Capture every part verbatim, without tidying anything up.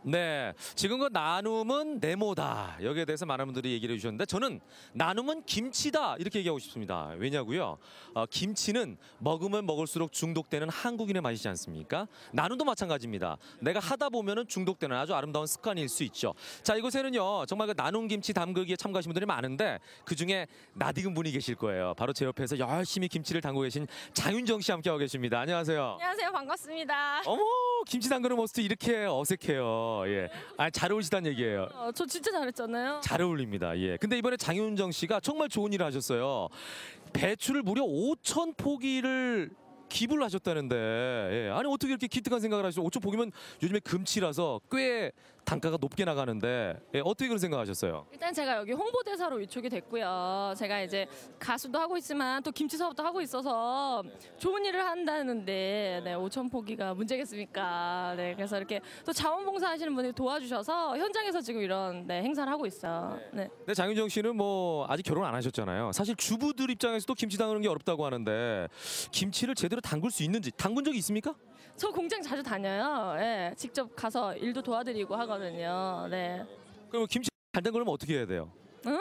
네, 지금 그 나눔은 네모다. 여기에 대해서 많은 분들이 얘기를 해주셨는데 저는 나눔은 김치다 이렇게 얘기하고 싶습니다. 왜냐고요? 어, 김치는 먹으면 먹을수록 중독되는 한국인의 맛이지 않습니까? 나눔도 마찬가지입니다. 내가 하다 보면은 중독되는 아주 아름다운 습관일 수 있죠. 자, 이곳에는요 정말 그 나눔 김치 담그기에 참가하신 분들이 많은데 그 중에 낯익은 분이 계실 거예요. 바로 제 옆에서 열심히 김치를 담그고 계신 장윤정 씨 함께하고 계십니다. 안녕하세요. 안녕하세요. 반갑습니다. 어머, 김치 담그는 모습도 이렇게 어색해요. 예, 아, 잘 어울리시다는 얘기예요. 어, 저 진짜 잘했잖아요. 잘 어울립니다. 예. 근데 이번에 장윤정 씨가 정말 좋은 일을 하셨어요. 배추를 무려 오천 포기를 기부를 하셨다는데, 예. 아니 어떻게 이렇게 기특한 생각을 하시죠? 오천 포기면 요즘에 금치라서 꽤 단가가 높게 나가는데, 예. 어떻게 그런 생각하셨어요? 일단 제가 여기 홍보대사로 위촉이 됐고요. 제가 이제 가수도 하고 있지만 또 김치 사업도 하고 있어서 좋은 일을 한다는데 네, 오천 포기가 문제겠습니까? 네, 그래서 이렇게 또 자원봉사 하시는 분들이 도와주셔서 현장에서 지금 이런 네, 행사를 하고 있어요. 네. 근데 장윤정 씨는 뭐 아직 결혼 안 하셨잖아요. 사실 주부들 입장에서도 김치 담그는 게 어렵다고 하는데 김치를 제대로 담글 수 있는지 담근 적이 있습니까? 저 공장 자주 다녀요. 네, 직접 가서 일도 도와드리고 하거든요. 네. 그럼 김치 잘 담그려면 어떻게 해야 돼요? 응?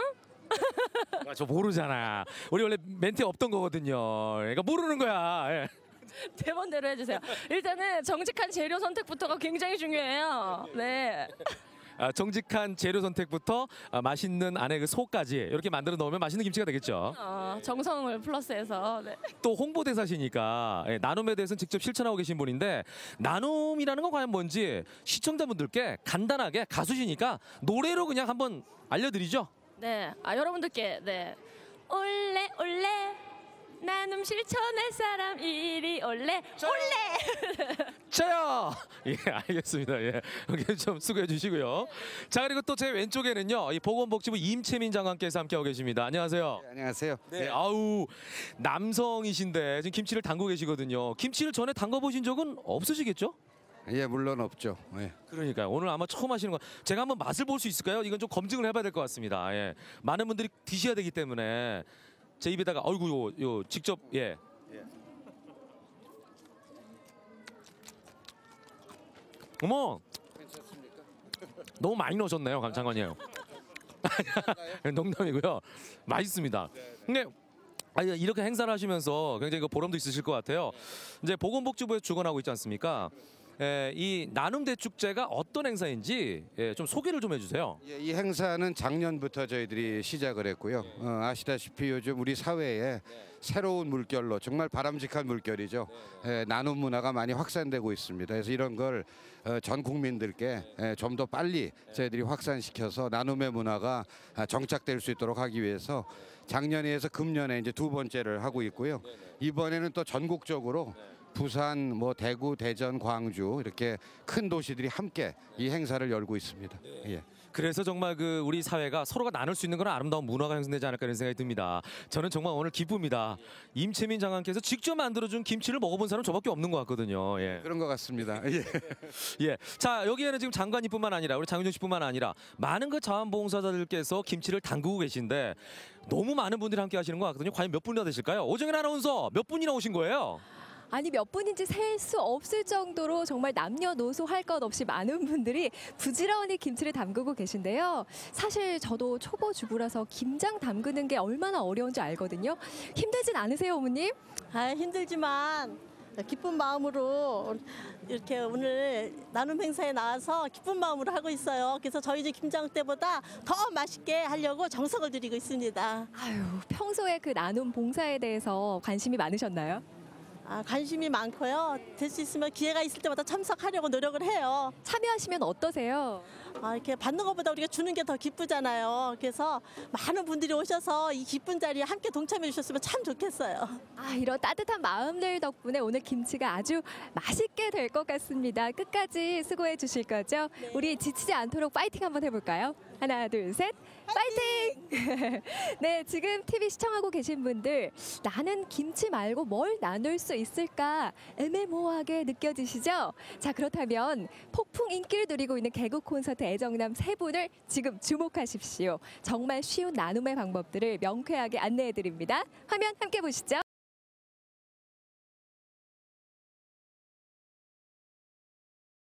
아, 저 모르잖아. 우리 원래 멘트에 없던 거거든요. 그러니까 모르는 거야. 예. 대본대로 해주세요. 일단은 정직한 재료 선택부터가 굉장히 중요해요. 네. 아, 정직한 재료 선택부터 아, 맛있는 안에 그 속까지 이렇게 만들어 놓으면 맛있는 김치가 되겠죠. 어, 정성을 플러스해서. 네. 또 홍보대사시니까 예, 나눔에 대해서는 직접 실천하고 계신 분인데 나눔이라는 건 과연 뭔지 시청자분들께 간단하게 가수시니까 노래로 그냥 한번 알려드리죠. 네. 아 여러분들께 네. 올레 올레 나눔 실천할 사람 이리 올레 올레. 저요. 예, 알겠습니다. 예, 여기 좀 수고해 주시고요. 자, 그리고 또 제 왼쪽에는요, 이 보건복지부 임채민 장관께서 함께하고 계십니다. 안녕하세요. 네, 안녕하세요. 네, 아우 남성이신데 지금 김치를 담고 계시거든요. 김치를 전에 담가 보신 적은 없으시겠죠? 예, 물론 없죠. 예. 그러니까요. 오늘 아마 처음 하시는 거. 제가 한번 맛을 볼 수 있을까요? 이건 좀 검증을 해봐야 될 것 같습니다. 예, 많은 분들이 드셔야 되기 때문에 제 입에다가 어이구 요, 요 직접 예. 어머, 괜찮습니까? 너무 많이 넣으셨네요, 감 장관님. 농담이고요. 맛있습니다. 근데 아니, 이렇게 행사를 하시면서 굉장히 그 보람도 있으실 것 같아요. 이제 보건복지부에서 주관하고 있지 않습니까? 예, 이 나눔 대축제가 어떤 행사인지 예, 좀 소개를 좀 해주세요. 예, 이 행사는 작년부터 저희들이 시작을 했고요. 어, 아시다시피 요즘 우리 사회에 새로운 물결로 정말 바람직한 물결이죠. 예, 나눔 문화가 많이 확산되고 있습니다. 그래서 이런 걸 전 국민들께 예, 좀 더 빨리 저희들이 확산시켜서 나눔의 문화가 정착될 수 있도록 하기 위해서 작년에 해서 금년에 이제 두 번째를 하고 있고요. 이번에는 또 전국적으로 부산, 뭐 대구, 대전, 광주 이렇게 큰 도시들이 함께 이 행사를 열고 있습니다. 예. 그래서 정말 그 우리 사회가 서로가 나눌 수 있는 그런 아름다운 문화가 형성되지 않을까 이런 생각이 듭니다. 저는 정말 오늘 기쁩니다. 임채민 장관께서 직접 만들어준 김치를 먹어본 사람 저밖에 없는 것 같거든요. 예. 그런 것 같습니다. 예. 예. 자, 여기에는 지금 장관님뿐만 아니라 우리 장윤정 씨뿐만 아니라 많은 그 자원봉사자들께서 김치를 담그고 계신데 너무 많은 분들이 함께 하시는 것 같거든요. 과연 몇 분이나 되실까요? 오정현 아나운서 몇 분이나 오신 거예요? 아니 몇 분인지 셀 수 없을 정도로 정말 남녀노소 할 것 없이 많은 분들이 부지런히 김치를 담그고 계신데요. 사실 저도 초보 주부라서 김장 담그는 게 얼마나 어려운지 알거든요. 힘들진 않으세요, 어머님? 아, 힘들지만 기쁜 마음으로 이렇게 오늘 나눔 행사에 나와서 기쁜 마음으로 하고 있어요. 그래서 저희 집 김장 때보다 더 맛있게 하려고 정성을 들이고 있습니다. 아유, 평소에 그 나눔 봉사에 대해서 관심이 많으셨나요? 아, 관심이 많고요. 될 수 있으면 기회가 있을 때마다 참석하려고 노력을 해요. 참여하시면 어떠세요? 아, 이렇게 받는 것보다 우리가 주는 게 더 기쁘잖아요. 그래서 많은 분들이 오셔서 이 기쁜 자리에 함께 동참해 주셨으면 참 좋겠어요. 아, 이런 따뜻한 마음들 덕분에 오늘 김치가 아주 맛있게 될 것 같습니다. 끝까지 수고해 주실 거죠? 네. 우리 지치지 않도록 파이팅 한번 해볼까요? 하나, 둘, 셋, 파이팅! 네, 지금 티비 시청하고 계신 분들 나는 김치 말고 뭘 나눌 수 있을까 애매모호하게 느껴지시죠? 자, 그렇다면 폭풍 인기를 누리고 있는 개그 콘서트 애정남 세 분을 지금 주목하십시오. 정말 쉬운 나눔의 방법들을 명쾌하게 안내해드립니다. 화면 함께 보시죠.